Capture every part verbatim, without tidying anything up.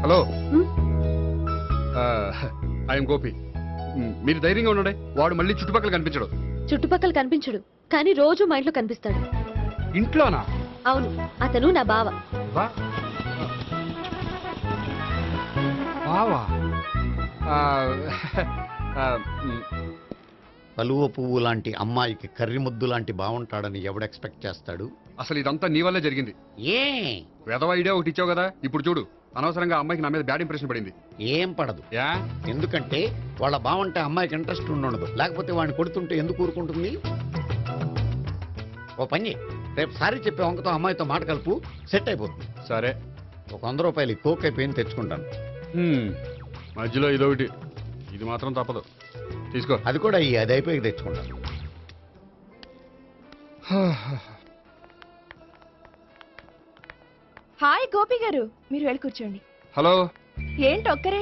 Hello, I'm Gopi. మీరు ధైర్యంగా ఉండండి, వాడు మళ్ళీ చుట్టుపక్కల కనిపించడు. చుట్టుపక్కల కనిపించడు, కానీ రోజు మా ఇంట్లో కనిపిస్తాడు. ఇంట్లోనా? అవును, అతను నా బావ. బావా? కలువ పువ్వు లాంటి అమ్మాయికి కర్రి ముద్దు లాంటి బాగుంటాడని ఎవడు ఎక్స్పెక్ట్ చేస్తాడు? అసలు ఇదంతా నీ వల్లే జరిగింది. ఏ వెధవ ఐడియా ఒకటి ఇచ్చావు కదా, ఇప్పుడు చూడు అనవసరంగా అమ్మాయికి నా మీద బ్యాడ్ ఇంప్రెషన్ పడింది. ఏం పడదు. యా? ఎందుకంటే వాళ్ళ బాగుంటే అమ్మాయికి ఇంట్రెస్ట్ ఉండదు, లేకపోతే వాడిని కొడుతుంటే ఎందుకు ఊరుకుంటుంది? ఓ పని, రేపు సారీ చెప్పే వంకతో అమ్మాయితో మాట కలుపు, సెట్ అయిపోతుంది. సరే, ఒక వంద రూపాయలు కోక్ అయిపోయింది తెచ్చుకుంటాను. మధ్యలో ఇదొకటి, ఇది మాత్రం తప్పదు, తీసుకో. అది కూడా ఈ అది అయిపోయి తెచ్చుకుంటాను. హాయ్ గోపి గారు, మీరు వెళ్ళి కూర్చోండి. హలో. ఏంటి ఒక్కరే?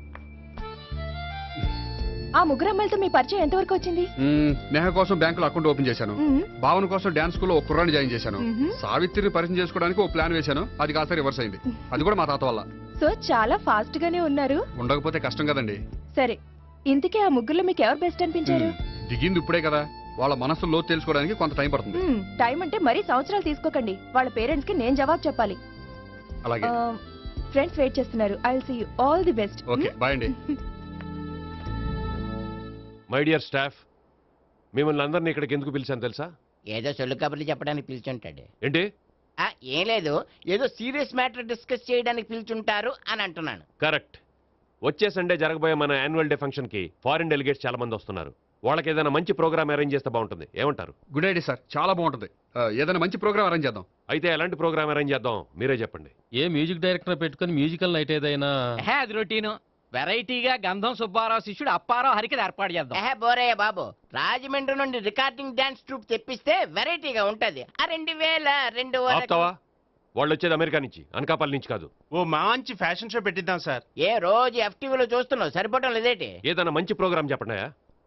ఆ ముగ్గురు అమ్మాయిలతో మీ పరిచయం ఎంతవరకు వచ్చింది? నేహ కోసం బ్యాంకులో అకౌంట్ ఓపెన్ చేశాను. భావన కోసం డాన్స్ స్కూల్లో ఒక కుర్రాన్ని జాయిన్ చేశాను. సావిత్రిని పరిచయం చేసుకోవడానికి ఒక ప్లాన్ వేశాను, అది కాస్త రివర్స్ అయింది. అది కూడా మా తాత వల్ల. సో చాలా ఫాస్ట్ గానే ఉన్నారు. ఉండకపోతే కష్టం కదండి. సరే, ఇంతకీ ఆ ముగ్గురులో మీకు ఎవరు బెస్ట్ అనిపించారు? దిగింది ఇప్పుడే కదా, వాళ్ళ మనసు లోతు తెలుసుకోవడానికి కొంత టైం పడుతుంది. టైం అంటే మరీ సంవత్సరాలు తీసుకోకండి, వాళ్ళ పేరెంట్స్ కి నేను జవాబు చెప్పాలి. అలాగే. ఫ్రెండ్స్ వెయిట్ చేస్తున్నారు. I will see you. All the best. Okay, bye అండి. మై డియర్ స్టాఫ్, మిమ్మల్ని అందరినీ ఇక్కడికి ఎందుకు పిలిచాను తెలుసా? ఏదో సొల్లు కబుర్లు చెప్పడానికి పిలిచుంటాడు. ఏంటి? ఆ, ఏం లేదు, ఏదో సీరియస్ మ్యాటర్ డిస్కస్ చేయడానికి పిలిచుంటారు అని అంటున్నాను. కరెక్ట్. వచ్చే సండే జరగబోయే మన యాన్యువల్ డే ఫంక్షన్ కి ఫారిన్ డెలిగేట్స్ చాలా మంది వస్తున్నారు. వాళ్ళకి ఏదైనా మంచి ప్రోగ్రామ్ అరేంజ్ చేస్తే బాగుంటుంది. ఏమంటారు? గుడ్ ఐడియా సార్, చాలా బాగుంటుంది. ఏదైనా మంచి ప్రోగ్రామ్ అరేంజ్ చేద్దాం. అయితే ఎలాంటి ప్రోగ్రామ్ అరేంజ్ చేద్దాం మీరే చెప్పండి. ఏ మ్యూజిక్ డైరెక్టర్ పెట్టుకుని మ్యూజికల్ నైట్ ఏదైనా? అది రొటీను. వెరైటీగా గంధం సుబ్బారావు శిష్యుడు అప్పారావు హరికి ఏర్పాటు చేద్దాం. ఏహే బోరయ్య బాబు, రాజమండ్రి నుండి రికార్డింగ్ డాన్స్ ట్రూప్ తెప్పిస్తే వెరైటీగా ఉంటది. ఆ రెండు వేల రెండు ఆపుతావా? వాళ్ళు వచ్చేది అమెరికా నుంచి, అనకాపల్లి నుంచి కాదు. ఓ మంచి ఫ్యాషన్ షో పెట్టిద్దాం సార్. ఏ రోజు ఎఫ్టీవీలో చూస్తున్నావు, సరిపోవటం లేదేటి? ఏదైనా మంచి ప్రోగ్రామ్ చెప్పండి.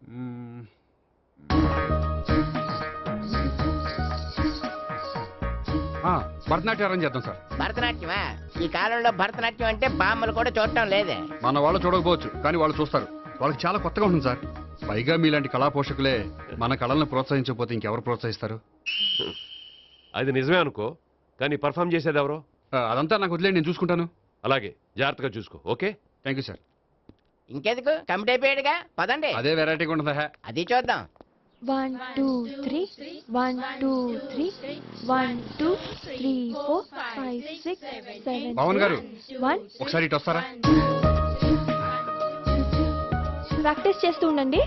భరతనాట్యం అరేంజ్ చేద్దాం సార్. భరతనాట్యమా? ఈ కాలంలో భరతనాట్యం అంటే బామ్మలు కూడా చూడటం లేదే. మన వాళ్ళు చూడకపోవచ్చు, కానీ వాళ్ళు చూస్తారు. వాళ్ళకి చాలా కొత్తగా ఉంటుంది సార్. పైగా మీలాంటి కళా పోషకులే మన కళలను ప్రోత్సహించకపోతే ఇంకెవరు ప్రోత్సహిస్తారు? అది నిజమే అనుకో, కానీ పర్ఫామ్ చేసేది ఎవరో? అదంతా నాకు వదిలేండి, నేను చూసుకుంటాను. అలాగే, జాగ్రత్తగా చూసుకో. Okay, thank you sir. ఇంకెందుకు, కమిటీ అయిపోయాడుగా, పదండి. అదే వెరైటీగా ఉంటుందా? అది చూద్దాం. One two three one two three one two three four five six seven. Pavan గారు, వన్. ఒకసారి ఇటు వస్తారా? ప్రాక్టీస్ చేస్తూ ఉండండి.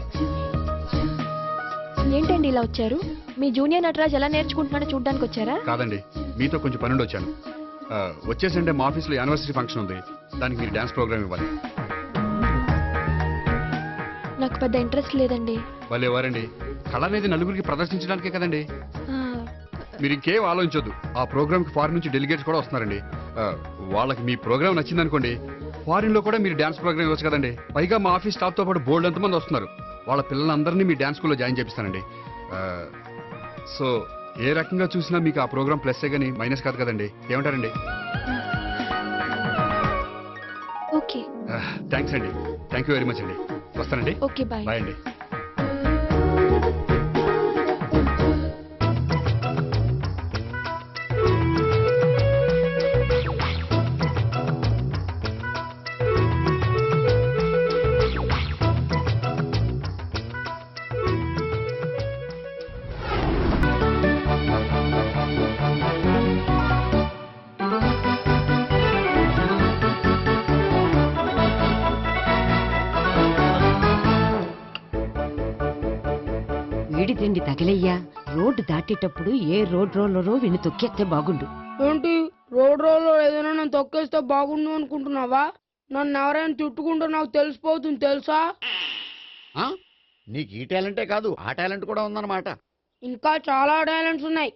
ఏంటండి ఇలా వచ్చారు? మీ జూనియర్ నటరాజ్ ఎలా నేర్చుకుంటున్నాడో చూడ్డానికి వచ్చారా? కాదండి, మీతో కొంచెం పనుండి వచ్చాను. వచ్చేసంటే మా ఆఫీస్లో యానివర్సరీ ఫంక్షన్ ఉంది, దానికి మీరు డాన్స్ ప్రోగ్రామ్ ఇవ్వాలి. నాకు పెద్ద ఇంట్రెస్ట్ లేదండి. వాళ్ళు ఎవరండి? కళ అనేది నలుగురికి ప్రదర్శించడానికే కదండి. మీరు ఇంకేం ఆలోచించొద్దు. ఆ ప్రోగ్రామ్ కి ఫారిన్ నుంచి డెలిగేట్స్ కూడా వస్తున్నారండి. వాళ్ళకి మీ ప్రోగ్రామ్ నచ్చిందనుకోండి, ఫారిన్ లో కూడా మీరు డాన్స్ ప్రోగ్రామ్ ఇవ్వచ్చు కదండి. పైగా మా ఆఫీస్ స్టాఫ్ తో పాటు బోల్డ్ ఎంతమంది వస్తున్నారు. వాళ్ళ పిల్లలందరినీ మీ డాన్స్ స్కూల్లో జాయిన్ చేపిస్తానండి. సో ఏ రకంగా చూసినా మీకు ఆ ప్రోగ్రామ్ ప్లస్ గానీ మైనస్ కాదు కదండి. ఏమంటారండి? ఓకే, థ్యాంక్స్ అండి. థ్యాంక్ యూ వెరీ మచ్ అండి. వస్తానండి. Okay, bye. బాయ్ అండి. వీడి తిండి తగిలయ్యా. రోడ్డు దాటేటప్పుడు ఏ రోడ్ రోలరో విని తొక్కేస్తే బాగుండు. ఏంటి రోడ్ రోలర్ ఏదైనా నన్ను తొక్కేస్తే బాగుండు అనుకుంటున్నావా? నన్ను ఎవరైనా చుట్టుకుంటే నాకు తెలిసిపోతుంది తెలుసా? నీకు ఈ టాలెంటే కాదు, ఆ టాలెంట్ కూడా ఉందన్నమాట. ఇంకా చాలా టాలెంట్స్ ఉన్నాయి.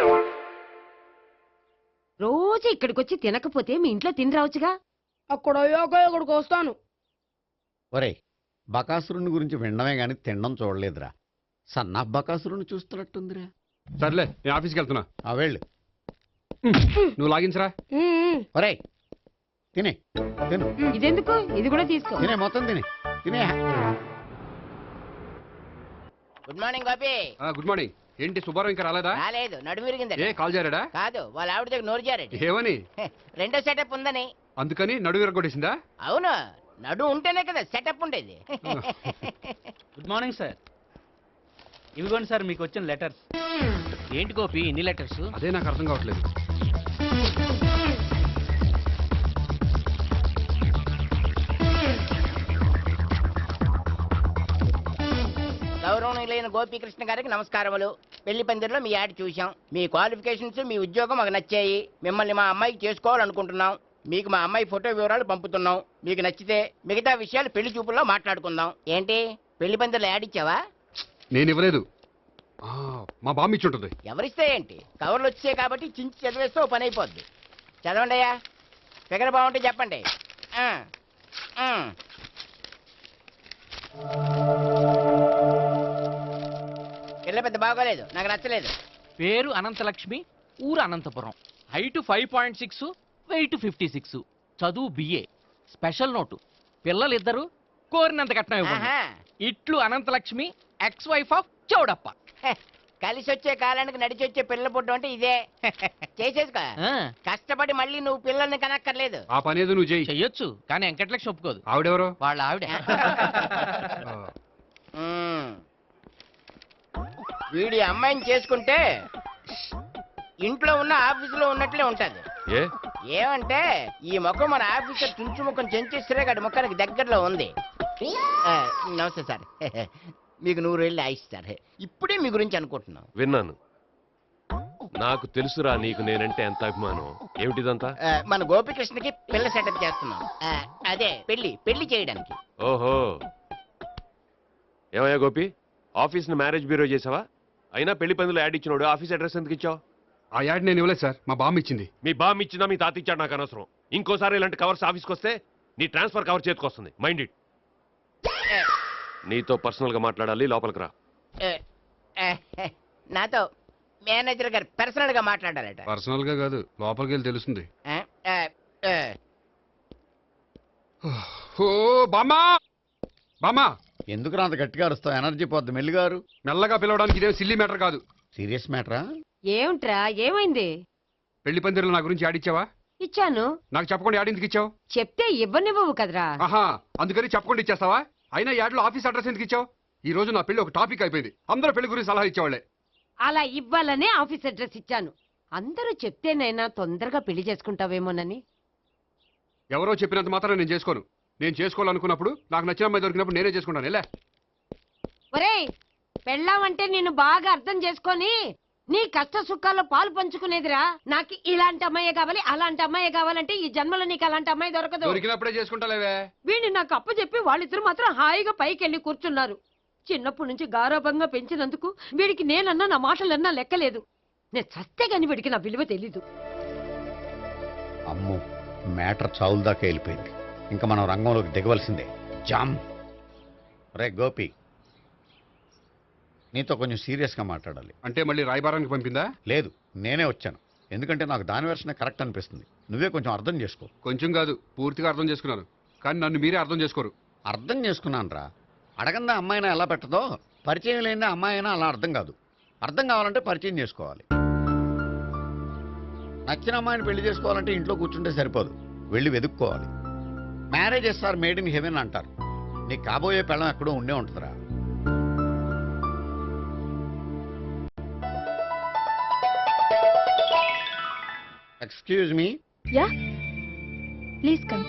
రోజు ఇక్కడికి వచ్చి తినకపోతే మీ ఇంట్లో తిని రావచ్చుగా. అక్కడ అయ్యాక ఇక్కడికి వస్తాను. ఒరే, బకాసురుని గురించి వినడమే గాని తినడం చూడలేదురా. సన్నా బకాసురుని చూస్తున్నట్టుందిరా. సర్లే, నేను ఆఫీస్కి వెళ్తున్నా. ఆ వెళ్ళు. నువ్వు లాగించరా. ఒరే, తినే తిను ఇదెందుకు ఇది కూడా తీసుకో తినే మొత్తం తినే తినే good morning Gopi. Good morning. ఏంటి సుబ్బారావు ఇంకా రాలేదా? రాలేదు, నడుము విరిగింది. ఏ కాల్ చేరాడా? కాదు, వాళ్ళ ఆవిడ దగ్గర నోరు జారెడ్. ఏమని? రెండో సెటప్ ఉందని. అందుకని నడువు విరగొట్టేసిందా? అవును, నడు ఉంటేనే కదా సెటప్ ఉండేది. Good morning sir. ఇవిగోండి సార్ మీకు వచ్చిన లెటర్స్. ఏంటి గోపి ఇన్ని లెటర్స్? అదే నాకు అర్థం కావట్లేదు. గౌరవనీయులైన గోపీకృష్ణ గారికి నమస్కారములు. పెళ్లి పందిరిలో మీ యాడ్ చూశాం. మీ క్వాలిఫికేషన్స్, మీ ఉద్యోగం మాకు నచ్చాయి. మిమ్మల్ని మా అమ్మాయికి చేసుకోవాలనుకుంటున్నాం. మీకు మా అమ్మాయి ఫోటో వివరాలు పంపుతున్నాం. మీకు నచ్చితే మిగతా విషయాలు పెళ్లి చూపుల్లో మాట్లాడుకుందాం. ఏంటి పెళ్లి పందిరిలో యాడ్ ఇచ్చావా? నేను ఇవ్వలేదు. ఆ, మా బామ్మ ఇచ్చి ఉంటుంది. ఎవరిస్తే ఏంటి, కవర్లు వచ్చాయి కాబట్టి చించి చదివేస్తే ఓ పని అయిపోద్ది. చదవండి అయ్యా, ఫిగర్ బాగుంటే చెప్పండి. ఆ, ఆ. పిల్ల పెద్ద బాగోలేదు, నాకు నచ్చలేదు. పేరు అనంతలక్ష్మి, ఊరు Anantapuram, height five point six, weight fifty six, చదువు బిఏ. స్పెషల్ నోటు, పిల్లలిద్దరు కోరినంత కట్నం ఇవ్వండి. ఆహా. ఇట్లు Anantalakshmi, ex wife of Chowdappa. హె, కలిసి వచ్చే కాలానికి నడిచి వచ్చే పిల్లల పుట్టం అంటే ఇదే. చేసేసుకో, ఆ, కష్టపడి మళ్ళీ నువ్వు పిల్లల్ని కనక్కర్లేదు. ఆ పని ఏదో నువ్వు చేయి. చెయ్యొచ్చు కానీ వెంకటలక్ష్మి ఒప్పుకోదు. ఆవిడెవరో? వాళ్ళ ఆవిడ. ఆ, మ్మ్. వీడి అమ్మాయిని చేసుకుంటే ఇంట్లో ఉన్న ఆఫీసులో ఉన్నట్లే ఉంటది. ఏ ఏమంటే ఈ ముఖం మన ఆఫీసర్ చుంచు ముఖం చెంచేశ్వరే గడి ముఖానికి దగ్గరలో ఉంది. ఆ, నమస్తే సార్. మీకు నూరు వెళ్ళి ఆయిస్ సార్. ఇప్పుడే మీ గురించి అనుకుంటున్నాం. విన్నాను. నాకు తెలుసురా నీకు నేనంటే ఎంత అభిమానం. ఏమిటిదంతా? ఆ, మన గోపికృష్ణకి పిల్ల సెటప్ చేస్తున్నాం. ఆ, అదే పెళ్లి పెళ్లి చేయడానికి. ఓహో, ఏమయ్యా గోపి, ఆఫీస్ని మ్యారేజ్ బ్యూరో చేసావా? అయినా పెళ్లి పందులో యాడ్ ఇచ్చినోడు ఆఫీస్ అడ్రస్ ఎందుకు ఇచ్చావు? ఆ యాడ్ నేను ఇవ్వలేదు సార్, మా బామ్మ ఇచ్చింది. మీ బామ్ ఇచ్చినా మీ తాత ఇచ్చాడు నాకు అనవసరం. ఇంకోసారి ఇలాంటి కవర్స్ ఆఫీస్కి వస్తే నీ ట్రాన్స్ఫర్ కవర్ చేతికి వస్తుంది. Mind it. ఆ, నీతో పర్సనల్ గా మాట్లాడాలి, లోపలికి రా. ఆ, ఆ, నాతో మేనేజర్ గారు పర్సనల్ గా మాట్లాడారట. పర్సనల్ గా కాదు, లోపలికి వెళ్ళి తెలుస్తుంది. ఆ, ఆ, ఆ. ఓ బామ్మా, బామ్మా, ఎందుకు అంత గట్టిగా అరుస్తావు? ఎనర్జీ పోద్ది. మెల్లిగారు మెల్లగా పిలవడానికి ఇదేం సిల్లీ మ్యాటర్ కాదు. సీరియస్ మ్యాటరా? ఏమిట్రా ఏమైంది? పెళ్లి పందిరిలో నా గురించి యాడ్ ఇచ్చావా? ఇచ్చాను. నాకు చెప్పకుండా యాడ్ ఎందుకు ఇచ్చావు? చెప్తే ఇవ్వనివ్వవు కదరా. ఆహా, అందుకని చెప్పకుండా ఇచ్చేస్తావా? అయినా యాడ్లో ఆఫీస్ అడ్రస్ ఎందుకు ఇచ్చావు? ఈ రోజు నా పెళ్లి ఒక టాపిక్ అయిపోయింది. అందరూ పెళ్లి గురించి సలహా ఇచ్చేవాళ్లే. అలా ఇవ్వాలనే ఆఫీస్ అడ్రస్ ఇచ్చాను. అందరూ చెప్తేనైనా తొందరగా పెళ్లి చేసుకుంటావేమోనని. ఎవరో చెప్పినంత మాత్రం నేను చేసుకోను. నేను చేసుకోవాలనుకున్నప్పుడు, నాకు నచ్చిన అమ్మాయి దొరికినప్పుడు నేనే చేసుకుంటాను. ఎలా? ఒరేయ్, పెళ్ళామంటే నేను బాగా అర్థం చేసుకొని నీ కష్ట సుఖాల్లో పాలు పంచుకునేదిరా. నాకు ఇలాంటి అమ్మాయే కావాలి, అలాంటి అమ్మాయే కావాలంటే ఈ జన్మలో నీకు అలాంటి అమ్మాయి దొరకదు. దొరికినప్పుడే చేసుకుంటాలేవే. వీడిని నాకు అప్పు చెప్పి వాళ్ళిద్దరు మాత్రం హాయిగా పైకి వెళ్ళి కూర్చున్నారు. చిన్నప్పటి నుంచి గారాభంగా పెంచినందుకు వీడికి నేనన్నా నా మాటలన్నా లెక్కలేదు. నేను చస్తే గాని వీడికి నా విలువ తెలీదు. అమ్మో, మ్యాటర్ చావుల దాకా వెళ్ళిపోయింది. ఇంకా మనం రంగంలోకి దిగవలసిందే. జామ్. రే గోపి, నీతో కొంచెం సీరియస్గా మాట్లాడాలి. అంటే మళ్ళీ రాయబారానికి పంపిందా? లేదు, నేనే వచ్చాను. ఎందుకంటే నాకు దాని వెర్షనే కరెక్ట్ అనిపిస్తుంది. నువ్వే కొంచెం అర్థం చేసుకో. కొంచెం కాదు, పూర్తిగా అర్థం చేసుకున్నాను. కానీ నన్ను మీరే అర్థం చేసుకోరు. అర్థం చేసుకున్నాను రా. అడగందా అమ్మాయినా ఎలా పెట్టదో, పరిచయం లేని అమ్మాయి అయినా అలా అర్థం కాదు. అర్థం కావాలంటే పరిచయం చేసుకోవాలి. నచ్చిన అమ్మాయిని పెళ్లి చేసుకోవాలంటే ఇంట్లో కూర్చుంటే సరిపోదు, వెళ్ళి వెతుక్కోవాలి. Marriages are made in heaven అంటారు. నీకు కాబోయే పెళ్ళం ఎక్కడో ఉండే ఉంటుందిరా. Excuse me. Yeah, please come.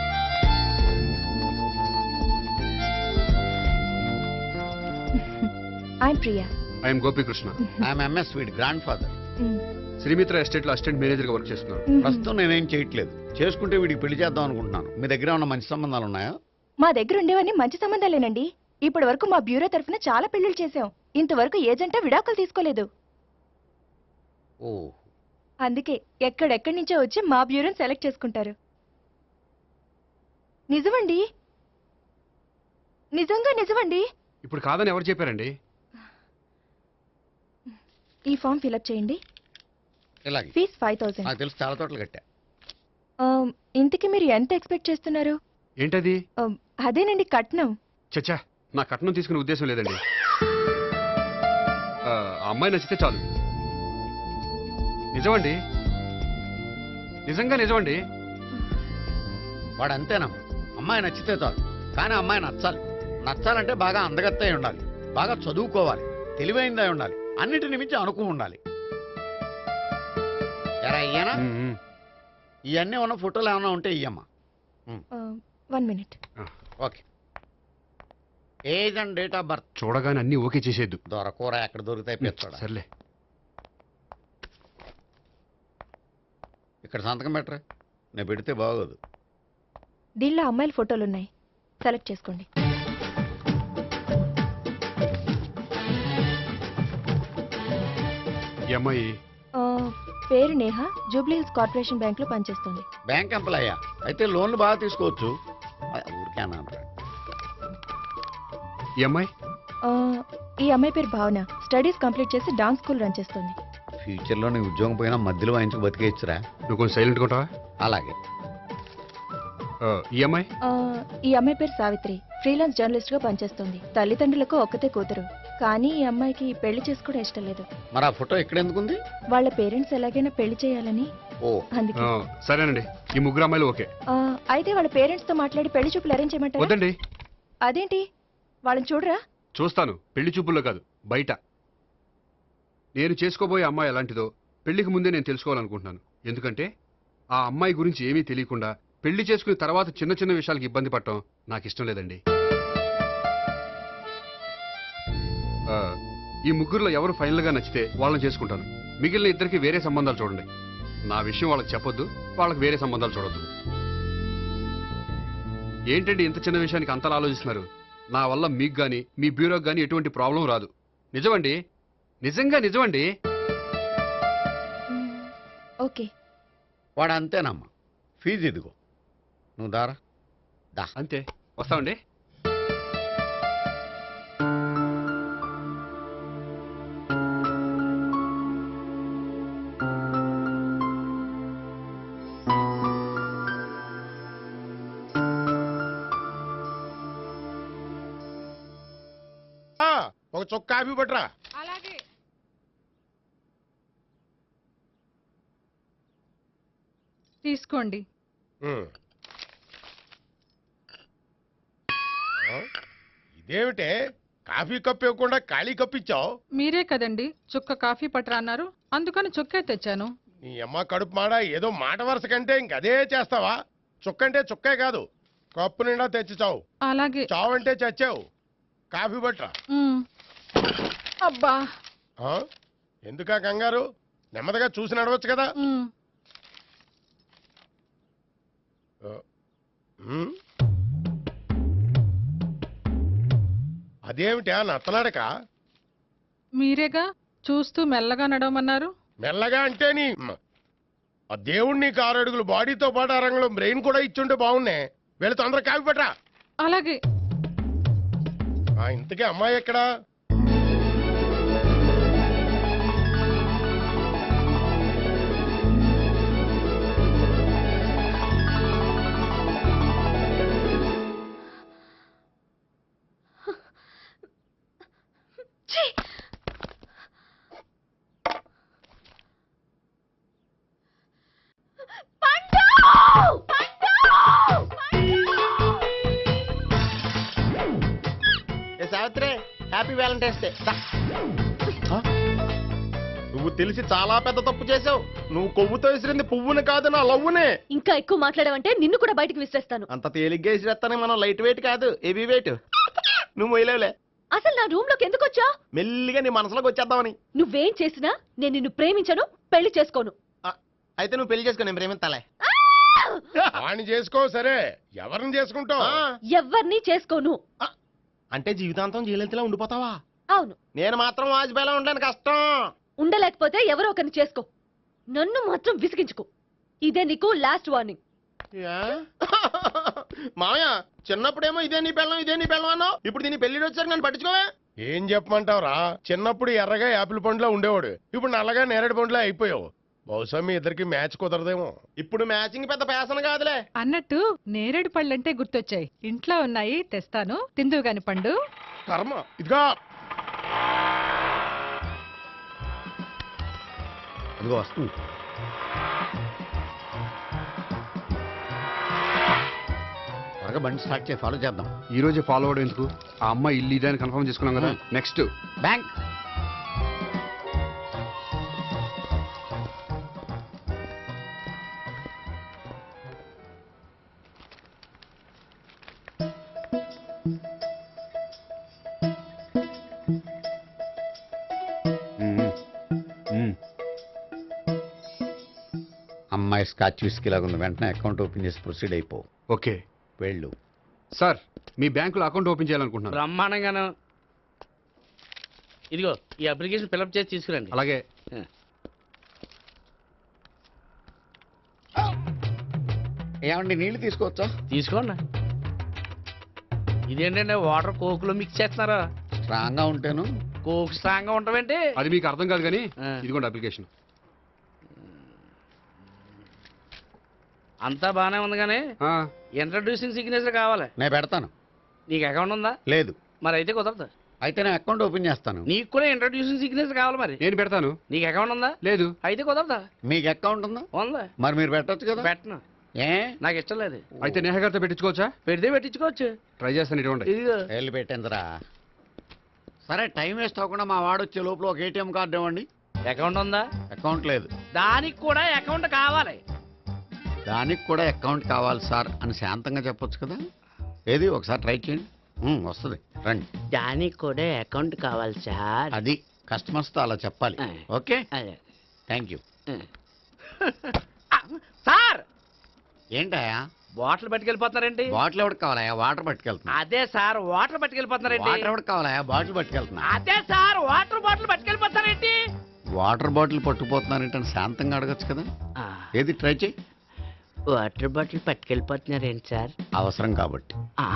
I'm Priya. I'm Gopikrishna. I'm MS weed grandfather. Srimitra estate లో అసిస్టెంట్ మేనేజర్ గా వర్క్ చేస్తున్నాను. ప్రస్తుతం నేనేం చేయట్లేదు. చేసుకుంటే వీడికి పెళ్లి చేద్దాం అనుకుంటున్నాను. మీ దగ్గర ఉన్న మంచి సంబంధాలు ఉన్నాయా? మా దగ్గర ఉండేవన్నీ మంచి సంబంధాలేనండి. ఇప్పటి వరకు మా బ్యూరో తరఫున చాలా పెళ్లిళ్ళు చేశాం. ఇంతవరకు ఏజెంటా విడాకులు తీసుకోలేదు. ఓ, అందుకే ఎక్కడెక్కడి నుంచో వచ్చి మా బ్యూరోని సెలెక్ట్ చేసుకుంటారు. నిజమండి, నిజంగా నిజమండి. ఇప్పుడు కాదని ఎవరు చెప్పారండి? ఈ ఫామ్ ఫిలప్ చేయండి. ఇలాగే. Fees five thousand. నాకు తెలుసు, చాలా తోటలు కట్టా. ఇంతకీ మీరు ఎంత ఎక్స్పెక్ట్ చేస్తున్నారు? ఏంటది? ఆ, అదేనండి కట్నం. చచ్చా, నా కట్నం తీసుకునే ఉద్దేశం లేదండి. ఆ ఆ అమ్మాయి నచ్చితే చాలు. నిజమండి, నిజంగా నిజమండి. వాడు అంతేనమ్మా, అమ్మాయి నచ్చితే చాలు. కానీ అమ్మాయి నచ్చాలి. నచ్చాలంటే బాగా అందగత్తే ఉండాలి, బాగా చదువుకోవాలి, తెలివైందై ఉండాలి, అన్నిటిని మించి అనుకు ఉండాలి. ఎరా ఇయ్యనా? ఉమ్, ఉమ్. ఇవన్నీ ఉన్న ఫోటోలు ఏమైనా ఉంటే ఇయ్యమ్మా. One minute. Okay. Age and date of birth చూడగానే అన్ని ఓకే చేసేద్దు. దొరకూర ఎక్కడ దొరుకుతాయి పెచ్చోడా. సర్లే. ఇక్కడ సంతకం పెట్టరా, నేను పెడితే బాగోదు. దీనిలో అమ్మాయిల ఫోటోలు ఉన్నాయి, సెలెక్ట్ చేసుకోండి. ఈ అమ్మాయి ఆ, పేరు నేహ, జూబ్లీ హిల్స్ కార్పొరేషన్ బ్యాంక్ లో పనిచేస్తుంది. బ్యాంక్ ఎంప్లాయా? అయితే లోన్లు బాగా తీసుకోవచ్చు. ఆ, ఊరికే అన్నా అంటాడు. ఈ అమ్మాయి ఆ, ఈ అమ్మాయి పేరు భావన, స్టడీస్ కంప్లీట్ చేసి డాన్స్ స్కూల్ రన్ చేస్తుంది. ఫ్యూచర్లో నీ ఉద్యోగం పోయినా మధ్యలో వాయించుకు బతికేయచ్చురా. నువ్వు కొంచెం సైలెంట్గా ఉంటావా? అలాగే. ఆ, ఈ అమ్మాయి ఆ, ఈ అమ్మాయి పేరు సావిత్రి, ఫ్రీలాన్స్ జర్నలిస్ట్ గా పనిచేస్తుంది. తల్లిదండ్రులకు ఒక్కతే కూతురు, కానీ ఈ అమ్మాయికి పెళ్లి చేసుకోవడం ఇష్టం లేదు. మరి ఆ ఫోటో ఎక్కడ ఎందుకుంది? వాళ్ళ పేరెంట్స్ ఎలాగైనా పెళ్లి చేయాలని, ఓ అందుకే. ఆ, సరేనండి, ఈ ముగ్గురు అమ్మాయిలు ఓకే. ఆ, అయితే వాళ్ళ పేరెంట్స్ తో మాట్లాడి పెళ్లి చూపులు అరేంజ్ చేయమంటారా? వద్దండి. అదేంటి, వాళ్ళని చూడరా? చూస్తాను, పెళ్లి చూపుల్లో కాదు, బయట. నేను చేసుకోబోయే అమ్మాయి ఎలాంటిదో పెళ్లికి ముందే నేను తెలుసుకోవాలనుకుంటున్నాను. ఎందుకంటే ఆ అమ్మాయి గురించి ఏమీ తెలియకుండా పెళ్లి చేసుకున్న తర్వాత చిన్న చిన్న విషయాలకు ఇబ్బంది పడటం నాకు ఇష్టం లేదండి. ఆ, ఈ ముగ్గురులో ఎవరు ఫైనల్ గా నచ్చితే వాళ్ళని చేసుకుంటాను. మిగిలిన ఇద్దరికి వేరే సంబంధాలు చూడండి. నా విషయం వాళ్ళకి చెప్పొద్దు, వాళ్ళకి వేరే సంబంధాలు చూడొద్దు. ఏంటండి ఇంత చిన్న విషయానికి అంతలా ఆలోచిస్తున్నారు? నా వల్ల మీకు గాని మీ బ్యూరోకి గాని ఎటువంటి ప్రాబ్లం రాదు. నిజమండి, నిజంగా నిజమండి. మ్, ఓకే. వాడు అంతేనమ్మా. ఫీజు ఇదిగో, నువ్వు దారా దా. అంతే, వస్తామండి. ఒక చొక్క కాఫీ పట్టరా. అలాగే. తీసుకోండి. ఉమ్. ఆ? ఇదేమిటే కాఫీ కప్ ఇవ్వకుండా ఖాళీ కప్ ఇచ్చావు? మీరే కదండి చుక్క కాఫీ పట్టరా అన్నారు, అందుకని చుక్కే తెచ్చాను. నీ అమ్మ కడుపు మాడ, ఏదో మాట వరుస కంటే ఇంకదే చేస్తావా? చుక్కంటే చుక్కే కాదు, కప్పు నిండా తెచ్చి చావు. అలాగే. చావు అంటే చచ్చావు. కాఫీ పట్టరా. మ్. అబ్బా. ఆ? ఎందుకా కంగారు? నెమ్మదిగా చూసి నడవచ్చు కదా. మ్. ఉమ్. అదేమిటా నత్తనాడక? మీరేగా చూస్తూ మెల్లగా నడవమన్నారు. మెల్లగా అంటే నీ ఆ దేవుడు నీకు ఆరు అడుగులు బాడీతో పాటు ఆ రంగంలో బ్రెయిన్ కూడా ఇచ్చుంటే బాగున్నే. వీళ్ళు తొందరగా కాఫీ పట్టరా. అలాగే. ఆ ఇంతకీ అమ్మాయి ఎక్కడా? Savitri, happy valentine's day. నువ్వు తెలిసి చాలా పెద్ద తప్పు చేసావు. నువ్వు కొవ్వుతో విసిరింది పువ్వుని కాదు, నా లవ్వునే. ఇంకా ఎక్కువ మాట్లాడావంటే నిన్ను కూడా బయటికి విసిరేస్తాను. అంత తేలిగ్గా విసిరేస్తానే, మనం లైట్ వెయిట్ కాదు, హెవీ వెయిట్. నువ్వు మొయ్యలేవులే. అసలు నా రూమ్ లోకి ఎందుకు వచ్చా? మెల్లిగా నీ మనసులోకి వచ్చేద్దామని. నువ్వేం చేసినా నేను నిన్ను ప్రేమించను, పెళ్లి చేసుకోను. అయితే నువ్వు పెళ్లి చేసుకో, నేను ప్రేమిస్తాలే. వాణ్ణి చేసుకో. సరే, ఎవరిని చేసుకుంటావు? ఎవ్వరిని చేసుకోను. అంటే జీవితాంతం జయలలితలా ఉండిపోతావా? అవును. నేను మాత్రం వాజ్పేయిలా ఉండడానికి కష్టం. ఉండలేకపోతే ఎవరో ఒకరిని చేసుకో, నన్ను మాత్రం విసిగించుకో. ఇదే నీకు లాస్ట్ వార్నింగ్. మామయ్య, చిన్నప్పుడేమో ఇదే నీ పెళ్ళం ఇదే నీ పెళ్ళం అన్నావు, ఇప్పుడు దీని పెళ్లి వచ్చారు నన్ను పట్టించుకోవే. ఏం చెప్పమంటావురా? చిన్నప్పుడు ఎర్రగా యాపిల్ పండులో ఉండేవాడు, ఇప్పుడు నల్లగా నేరేడు పండులో అయిపోయావు. బహుశా మీ ఇద్దరికి మ్యాచ్ కుదరదేమో. ఇప్పుడు మ్యాచింగ్ పెద్ద పేసన కాదులే. అన్నట్టు నేరేడు పళ్ళంటే గుర్తొచ్చాయి. ఇంట్లో ఉన్నాయి, తెస్తాను. తిందువు గాని పండు. కర్మ. ఇదిగా అదిగో వస్తుంది. త్వరగా బండి స్టార్ట్ చేసి ఫాలో చేద్దాం. ఈ రోజే ఫాలో అవడం ఎందుకు? ఆ అమ్మాయి ఇల్లు ఇదే అని కన్ఫర్మ్ చేసుకున్నాం కదా. Next bank. అమ్మాయి స్కాచ్ విస్కీ లాగా ఉంది. వెంటనే అకౌంట్ ఓపెన్ చేసి ప్రొసీడ్ అయిపో. ఓకే వెళ్ళు. సార్, మీ బ్యాంకులో అకౌంట్ ఓపెన్ చేయాలనుకుంటున్నాను. బ్రహ్మాండంగాను. ఇదిగో ఈ అప్లికేషన్ ఫిల్అప్ చేసి తీసుకురండి. అలాగే. ఏమండి నీళ్లు తీసుకోవచ్చా? తీసుకోండి. ఇదేంటంటే వాటర్ కోక్లో మిక్స్ చేస్తున్నారా? స్ట్రాంగ్ గా ఉంటాను. కోక్ స్ట్రాంగ్ గా ఉంటావేంటి? అది మీకు అర్థం కాదు కానీ ఇదిగోండి అప్లికేషన్. అంతా బానే ఉంది కానీ ఇంట్రడ్యూసింగ్ సిగ్నేచర్ కావాలి. నేను పెడతాను. నీకు అకౌంట్ ఉందా? లేదు. మరి అయితే కుదరదు. అయితే నేను అకౌంట్ ఓపెన్ చేస్తాను. నీకు కూడా ఇంట్రడ్యూసింగ్ సిగ్నేచర్ కావాలి. మరి నేను పెడతాను. నీకు అకౌంట్ ఉందా? లేదు. అయితే కుదరదా? మీకు అకౌంట్ ఉందా? ఉందా? మరి మీరు పెట్టొచ్చు కదా. పెట్టను. ఏ నాకు ఇష్టం లేదు. అయితే నేహ గారితో పెట్టించుకోవచ్చా? పెడితే పెట్టించుకోవచ్చు. ట్రై చేస్తాను. ఇటువంటి ఇదిగో వెళ్ళి పెట్టిందిరా. సరే, టైం వేస్ట్ అవ్వకుండా మా వాడు వచ్చే లోపల ఒక ఏటీఎం కార్డు ఇవ్వండి. అకౌంట్ ఉందా? అకౌంట్ లేదు. దానికి కూడా అకౌంట్ కావాలి. దానికి కూడా అకౌంట్ కావాలి సార్ అని శాంతంగా చెప్పొచ్చు కదా. ఏది ఒకసారి ట్రై చేయండి. ఉమ్, వస్తుంది. రండి. దానికి కూడా అకౌంట్ కావాలి సార్. అది కస్టమర్స్తో అలా చెప్పాలి. Okay, thank you. సార్ ఏంటయా బాటిల్ పట్టుకెళ్ళిపోతున్నారేంటి? బాటిల్ ఎవరికి కావాలయా? వాటర్ పట్టుకెళ్తున్నా. అదే సార్ వాటర్ పట్టుకెళ్ళిపోతున్నారేంటి? వాటర్ ఎవరికి కావాలయా? బాటిల్ పట్టుకెళ్తున్నా. అదే సార్ వాటర్ బాటిల్ పట్టుకెళ్ళిపోతారేంటి? వాటర్ బాటిల్ పట్టుకుపోతున్నారేంటని శాంతంగా అడగచ్చు కదా. ఏది ట్రై చేయి. వాటర్ బాటిల్ పట్టుకెళ్ళిపోతున్నారేంటి సార్? అవసరం కాబట్టి.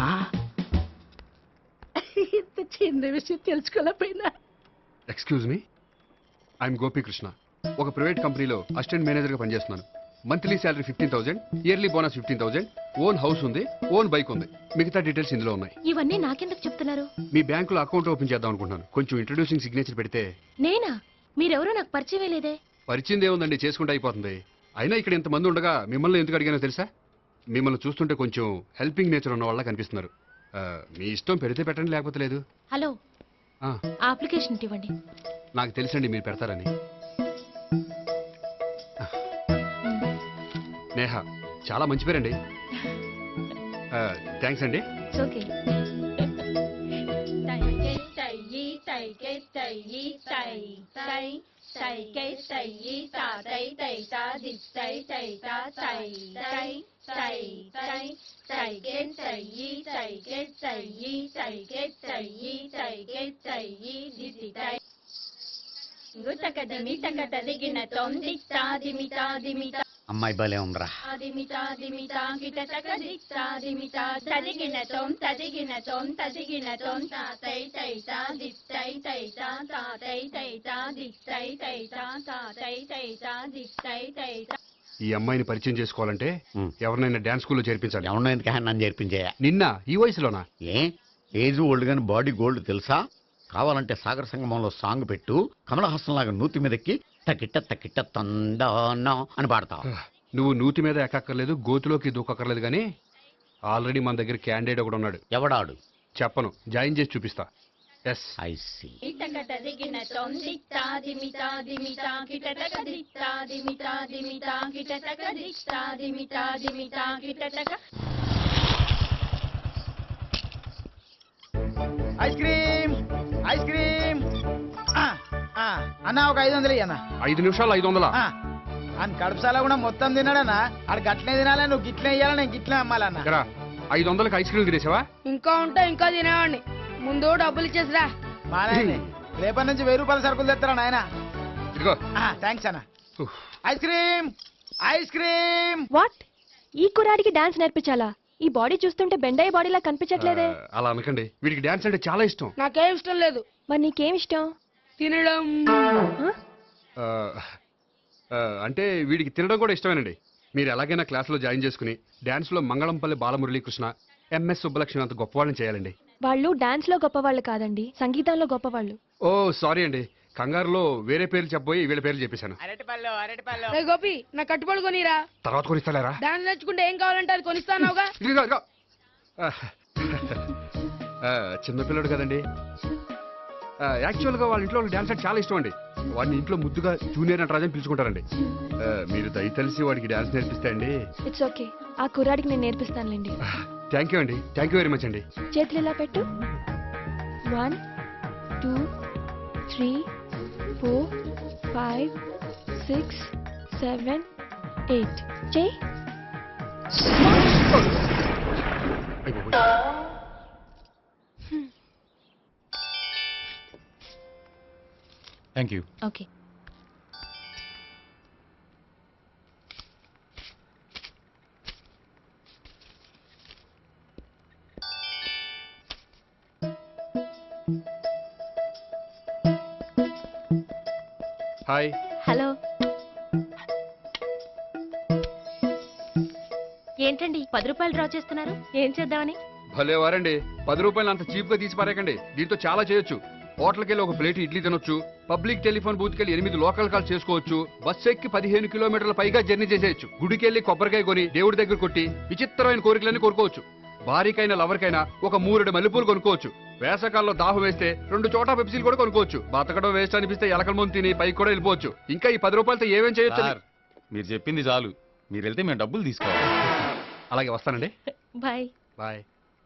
ఇంత చిన్న విషయం తెలుసుకోలేకపోయినా. Excuse me, I'm Gopikrishna. ఒక ప్రైవేట్ కంపెనీలో అసిస్టెంట్ మేనేజర్గా పనిచేస్తున్నాను. Monthly salary fifteen thousand, yearly bonus fifteen thousand, own house ఉంది, ఓన్ బైక్ ఉంది. మిగతా డీటెయిల్స్ ఇందులో ఉన్నాయి. ఇవన్నీ నాకెందుకు చెప్తున్నారు? మీ బ్యాంకులో అకౌంట్ ఓపెన్ చేద్దాం అనుకుంటున్నాను. కొంచెం ఇంట్రడ్యూసింగ్ సిగ్నేచర్ పెడితే. నేనా? మీరెవరో నాకు పరిచయం లేదే. పరిచయం ఏముందండి, చేసుకుంటే అయిపోతుంది. అయినా ఇక్కడ ఇంతమంది ఉండగా మిమ్మల్ని ఎందుకు అడిగానో తెలుసా? మిమ్మల్ని చూస్తుంటే కొంచెం హెల్పింగ్ నేచర్ ఉన్న వాళ్ళ కనిపిస్తున్నారు. మీ ఇష్టం, పెడితే పెట్టండి, లేకపోతే లేదు. హలో, ఆ అప్లికేషన్ ఇవ్వండి. నాకు తెలుసండి మీరు పెడతారని. నేహ, చాలా మంచి పేరండి. థ్యాంక్స్ అండి. ఓకే. అమ్మాయి భలే ఉందిరా. ఈ అమ్మాయిని పరిచయం చేసుకోవాలంటే ఎవరినైనా డాన్స్ స్కూల్లో చేర్పించాలి. ఎవరినో ఎందుకు నన్ను చేర్పించాయా? నిన్న ఈ వయసులోనా? ఏ ఏజ్ ఓల్డ్ గాని బాడీ గోల్డ్ తెలుసా? కావాలంటే సాగర సంగమంలో సాంగ్ పెట్టు, కమలహాసం లాగా నూతి మీదకి తకిట్ట తకిట్ట తందానా అని పాడతావు. నువ్వు నూతి మీద ఎక్కక్కర్లేదు, గోతులోకి దూకక్కర్లేదు, కానీ ఆల్రెడీ మన దగ్గర క్యాండిడేట్ ఒకడు ఉన్నాడు. ఎవడాడు? చెప్పను, జాయిన్ చేసి చూపిస్తా. Yes I see. Ice cream, ice cream. అన్న ఒక ఐదు వందలు అన్న. ఐదు నిమిషాలు ఐదు వందలా? అని కడుపుసాల కూడా మొత్తం తిన్నాడన్నా. ఆడు గట్లనే తినాలి, నువ్వు గిట్లే ఇయ్యాలి, నేను గిట్లే అమ్మాలన్నా. ఐదు వందలకి ఐస్ క్రీమ్ తినేసావా? ఇంకా ఉంటే ఇంకా తినేవాడిని. ముందు డబ్బులు ఇచ్చేసిరా. మా నాయనే రేపటి నుంచి వెయ్యి రూపాయల సరుకులు తెస్తారా నాయన? ఇదిగో. థ్యాంక్స్ అన్న. Ice cream, ice cream. What? ఈ కుర్రాడికి డాన్స్ నేర్పించాలా? ఈ బాడీ చూస్తుంటే బెండయ్య బాడీలా కనిపించట్లేదే. అలా అనకండి, వీడికి డాన్స్ అంటే చాలా ఇష్టం. నాకేం ఇష్టం లేదు. మరి నీకేం ఇష్టం? తినడం. ఆ, అంటే వీడికి తినడం కూడా ఇష్టమేనండి. మీరు ఎలాగైనా క్లాస్లో జాయిన్ చేసుకుని డాన్స్లో మంగళంపల్లి బాలమురళీకృష్ణ, ఎంఎస్ సుబ్బలక్ష్మి అంత గొప్పవాళ్ళని చేయాలండి. వాళ్ళు డాన్స్ లో గొప్పవాళ్ళు కాదండి, సంగీతంలో గొప్పవాళ్ళు. ఓ సారీ అండి, కంగారులో వేరే పేర్లు చెప్పబోయి వీళ్ళ పేర్లు చెప్పేశాను. అరటిపళ్ళు అరటిపళ్ళు రే గోపి నా కట్టుబడి కొనిరా. తర్వాత కొనిస్తారా? డాన్స్ నేర్చుకుంటే ఏం కావాలంటే అది కొనిస్తానావుగా. ఇదిగో, ఇదిగో. ఆ, ఆ, చిన్నపిల్లడు కదండి. ఆ, యాక్చువల్గా వాళ్ళ ఇంట్లో డాన్స్ అంటే చాలా ఇష్టం అండి. వాడిని ఇంట్లో ముద్దుగా జూనియర్ నటరాజన్ పిలుచుకుంటారండి. ఆ, మీరు దయతలిసి వాడికి డాన్స్ నేర్పిస్తే అండి. ఇట్స్ ఓకే, ఆ కుర్రాడికి నేను నేర్పిస్తానులేండి. థ్యాంక్ యూ అండి, థ్యాంక్ యూ వెరీ మచ్ అండి. చేతులు ఇలా పెట్టు. One two three four five six seven eight చేయి. Thank you. Okay. Hi. Hello. ఏంటండి పది రూపాయలు డ్రా చేస్తున్నారు? ఏం చేద్దామని? భలే వారండి, పది రూపాయలు అంత చీప్ గా తీసి పారేకండి. దీంతో చాలా చేయొచ్చు. హోటల్కి వెళ్ళి ఒక ప్లేట్ ఇడ్లీ తినొచ్చు, పబ్లిక్ టెలిఫోన్ బూత్కి వెళ్ళి ఎనిమిది లోకల్ కాల్ చేసుకోవచ్చు, బస్సు ఎక్కి పదిహేను కిలోమీటర్ల పైగా జర్నీ చేసేయచ్చు, గుడికి వెళ్ళి కొబ్బరికాయ కొని దేవుడి దగ్గర కొట్టి విచిత్రమైన కోరికలన్నీ కోరుకోవచ్చు, భారీకైనా లవర్కైనా ఒక మూరెడు మల్లెపూలు కొనుక్కోవచ్చు, వేసవకాలంలో దాహం వేస్తే రెండు చోట పెప్సీలు కూడా కొనుక్కోవచ్చు, బతకడం వేస్ట్ అనిపిస్తే ఎలకల ముందు తిని పైకి కూడా వెళ్ళిపోవచ్చు. ఇంకా ఈ పది రూపాయలతో ఏమేం చేయొచ్చు? మీరు చెప్పింది చాలు, మీరు వెళ్తే మేము డబ్బులు తీసుకోవాలి. అలాగే వస్తానండి. బాయ్. బాయ్.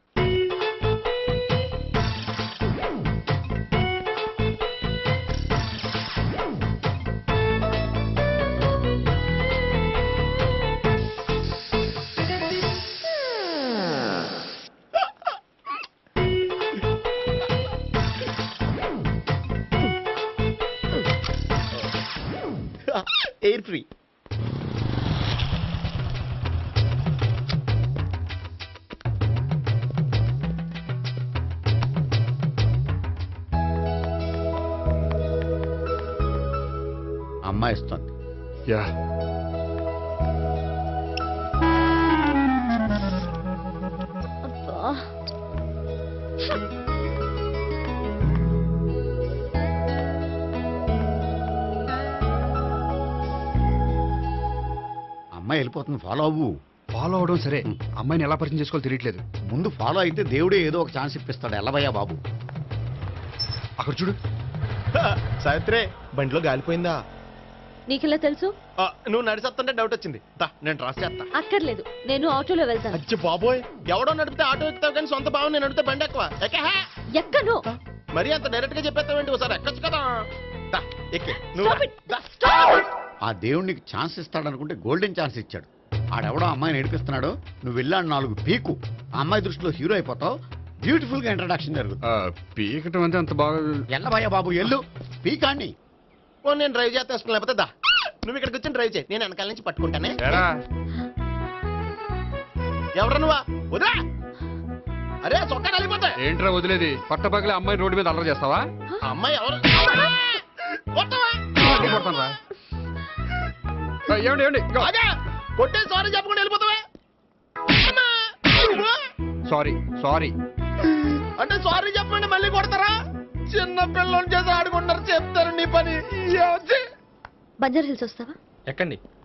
Air free. అమ్మాయి ఇస్తుంది. యా. అమ్మాయి వెళ్ళిపోతుంది, ఫాలో అవ్వు. ఫాలో అవడం సరే, అమ్మాయిని ఎలా పరిచయం చేసుకోవాలో తెలియట్లేదు. ముందు ఫాలో అయితే దేవుడే ఏదో ఒక ఛాన్స్ ఇప్పిస్తాడు. ఎల్లవయ్యా బాబు. అక్కడ చూడు. సావిత్రి, బండిలో గాలిపోయిందా? నీకెలా తెలుసు? ఆ, నువ్వు నడిచేస్తుంటే డౌట్ వచ్చింది. దా, నేను ట్రాస్ చేస్తా. అక్కర్లేదు, నేను ఆటోలో వెళ్తాను. అచ్చి బాబోయ్, ఎవడో నడిపితే ఆటో ఎక్కుతావు కానీ సొంత భావం నేను నడిపితే బండి ఎక్కువ. ఎక్కే. ఎక్కను. మరి అంత డైరెక్ట్ గా చెప్పేస్తావేంటి? ఒకసారి ఎక్కొచ్చు కదా. దా, ఎక్కే. నువ్వు దా. ఆ దేవుడికి ఛాన్స్ ఇస్తాడనుకుంటే గోల్డెన్ ఛాన్స్ ఇచ్చాడు. ఆడెవడో అమ్మాయిని ఏడిపిస్తున్నాడు, నువ్వు వెళ్ళాడు నాలుగు పీకు, ఆ అమ్మాయి దృష్టిలో హీరో అయిపోతావు. బ్యూటిఫుల్ గా ఇంట్రడక్షన్ జరుగుతుంది. పీకటం అంటే అంత బాగా. ఎల్లబయ్యా బాబు, ఎల్లు పీకాన్ని. ఓ, నేను డ్రైవ్ చేస్తాను. లేకపోతే దా, నువ్వు ఇక్కడికి వచ్చి డ్రైవ్ చేయి, నేను వెనకాల నుంచి పట్టుకుంటానే. ఎవరు నువ్వా? వదిలా. అరే చొక్కా కలిపోతా. ఏంట్రా వదిలేది? పట్టపగలే అమ్మాయి రోడ్డు మీద అల్లరి చేస్తావా? అమ్మాయి ఎవరు? ఏమండి ఏమండి కొట్టే సారీ చెప్పకుండా వెళ్ళిపోతావా? సారీ సారీ అంటే సారీ చెప్పండి మళ్ళీ కొడతారా? చిన్న పిల్లలు చేసి ఆడుకుంటారు, చెప్తారు నీ పని. బంజారా హిల్స్ వస్తావా? ఎక్కండి.